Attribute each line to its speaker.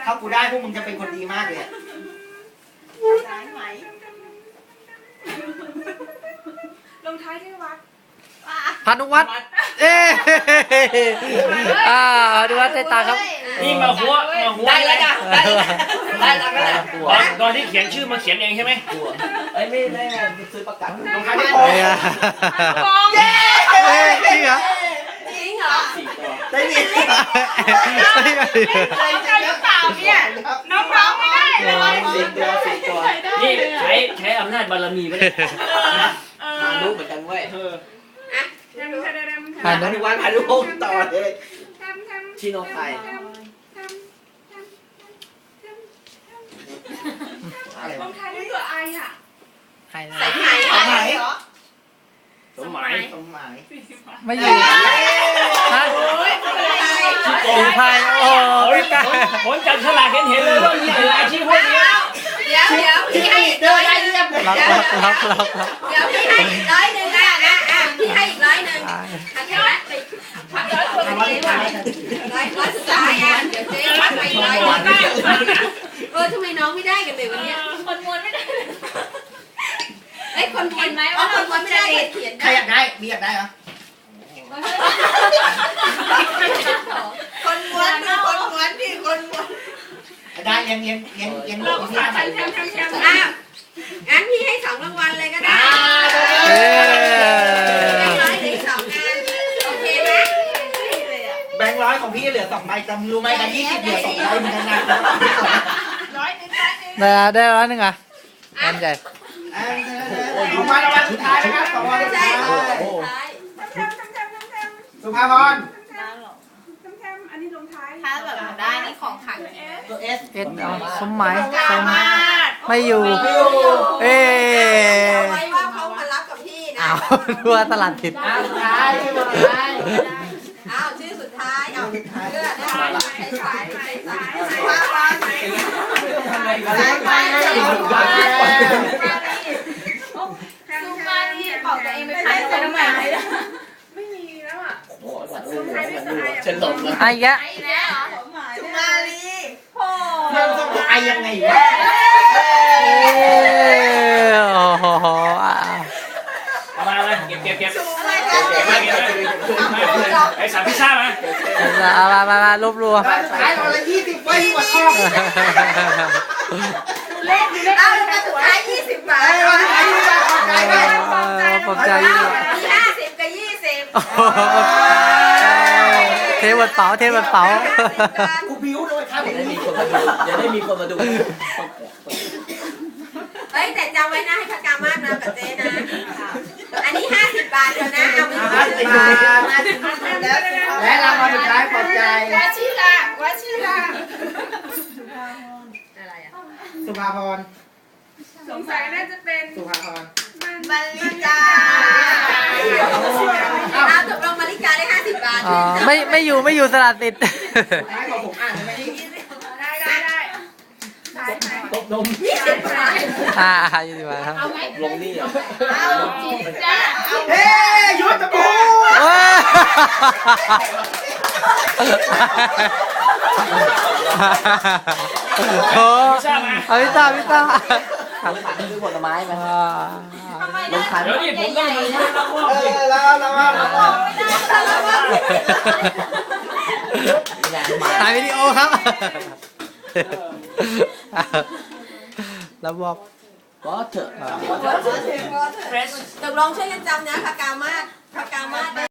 Speaker 1: ถ้ากูได้พวกมึงจะเป็นคนดีมากเลย
Speaker 2: ลงท้ายด้วยวัด
Speaker 3: พานุวัฒน์เอ๊ะพานุวัฒน์ได้ตาครับ
Speaker 4: นี่มาหัว
Speaker 1: ได้แล้วจ้ะได้แล้ว
Speaker 4: ตอนที่เขียนชื่อมาเขียนเองใช่ไหม
Speaker 1: เอ้ยไม่ได้ซื้อประกันลงท้ายด้วยโ
Speaker 3: เย้จริงเหรอ
Speaker 2: จริงเหรอ
Speaker 1: ได้ดิ
Speaker 2: น้องกันหรือเปล่าเนี่ยน้องไม่ได้เลย
Speaker 1: 4 ตัว
Speaker 4: นี่ใช้อำนาจบารมีไปเลย
Speaker 1: รู้เหมือนกันเว้ย
Speaker 3: พานุ
Speaker 1: ทุกวันพานุต่อเลยชิโนไทย
Speaker 2: ลงท้ายด้วยตัวไออ่ะ
Speaker 3: ใครนะ
Speaker 2: ใส่ไหมเหรอ
Speaker 4: สมหมาย
Speaker 3: ไม่อยู่ฮะสีพายโอ้ไม่กล้า
Speaker 4: ผมจับฉลากเห็นเลยว่ามีหลายชื่อพวกนี้
Speaker 2: เดี๋ยวพี่ให้อีก100ได้เรียบ
Speaker 3: ล็อก
Speaker 2: เดี๋ยวพี่ให้อีก100นะพี่ให้อีก100ทันทีละพัก100คนนี้ว่ะ100สุดท้ายเดี๋ยวเจ๊พักไปอีก100ทำไมน้องไม่ได้กันเลยวันนี้คนมวนไม่ได้คนมวนไหมว่าคนมวนไม่ได้เขียน
Speaker 1: ใครอยากได้มีอยากได้เหรอ
Speaker 2: คนม้วนพี่คนม้วน
Speaker 1: ได้ยังลูกที่ไหน
Speaker 2: งั้นพี่ให้2รางวัลเลยก็ได้ร้อยถึง2งานโอเคไหม
Speaker 1: แบงค์100ของพี่เหลือ2 ใบจำรู้ไหมกัน20เหลือ2 ใบเหมือนกันนะ
Speaker 3: ได้100อ่ะอันใหญ่
Speaker 1: ของวันสุดท้ายนะครับของวันสุดท้ายสุภาพร
Speaker 2: อันนี้ลงท้ายถ้าแบบได้นี่ของขัง
Speaker 1: ตัวเอส
Speaker 3: สมหมายไม่อยู่เอ๊
Speaker 2: ไว้ว่าเขามารับกับพี่นะ
Speaker 3: อ้าวดัวตลาดผิด
Speaker 1: สุดท้ายชื่อสุดท้าย
Speaker 2: ชื่อสุดท้ายเลือดได้สายซูมานี่บอกตัวเองไปขายตัวทำไมไม่มีแล้วอ่ะ
Speaker 1: ฉันหลงแล้ว
Speaker 3: ไอ้แก
Speaker 2: ซูมาลีโอ้
Speaker 1: เรื่องต้องไอยังไงวะ
Speaker 3: โอ้โห
Speaker 4: มาเก็บไอ้สามพิซซ่ามาม
Speaker 3: ารวบรวม
Speaker 1: ขายเราละ20 ใบกว่าชอบ
Speaker 2: เล่นแล้วสุดท้าย20 บาท
Speaker 3: ปลอบใจ
Speaker 2: 50กับ20
Speaker 3: เทวันเป๋า
Speaker 1: กูบิ้วด้วยครับ
Speaker 5: อย่าได้มีคนมาดู
Speaker 2: เฮ้ยแต่จำไว้นะให้พกามาศนะกับเจ๊นะอันนี้50 บาทเดียวนะเอาไป
Speaker 1: 50 บาทและรางวัลสุดท้ายปลอบใจ
Speaker 2: วชิระอะไรอ่ะ
Speaker 1: สุภาพร
Speaker 2: สงสัยน่าจะเป็น
Speaker 1: สุภาพร
Speaker 2: มาริกาตกลงมาริกาได้50 บาท
Speaker 3: ไม่อยู่สลัดติด
Speaker 1: ท้ายของผมอ่านไหมนี่
Speaker 2: ได้
Speaker 1: ตบนม
Speaker 2: 20 บาท
Speaker 3: 20 บาทครับ
Speaker 5: ลงนี่อ่ะ
Speaker 2: เอาจิตจ้า
Speaker 1: เฮ้ยยุทธภู
Speaker 3: โอ้เอาพิซซ่า
Speaker 5: ขันคือผลไม้ไหม
Speaker 3: ลงขัน
Speaker 4: เดี๋ยวนี่ผมต้องมา
Speaker 3: ถ่ายวิดีโอครับแล้วบอก
Speaker 5: ก็เถอะ
Speaker 2: ตกลงช่วยกันจำนะพกามาศ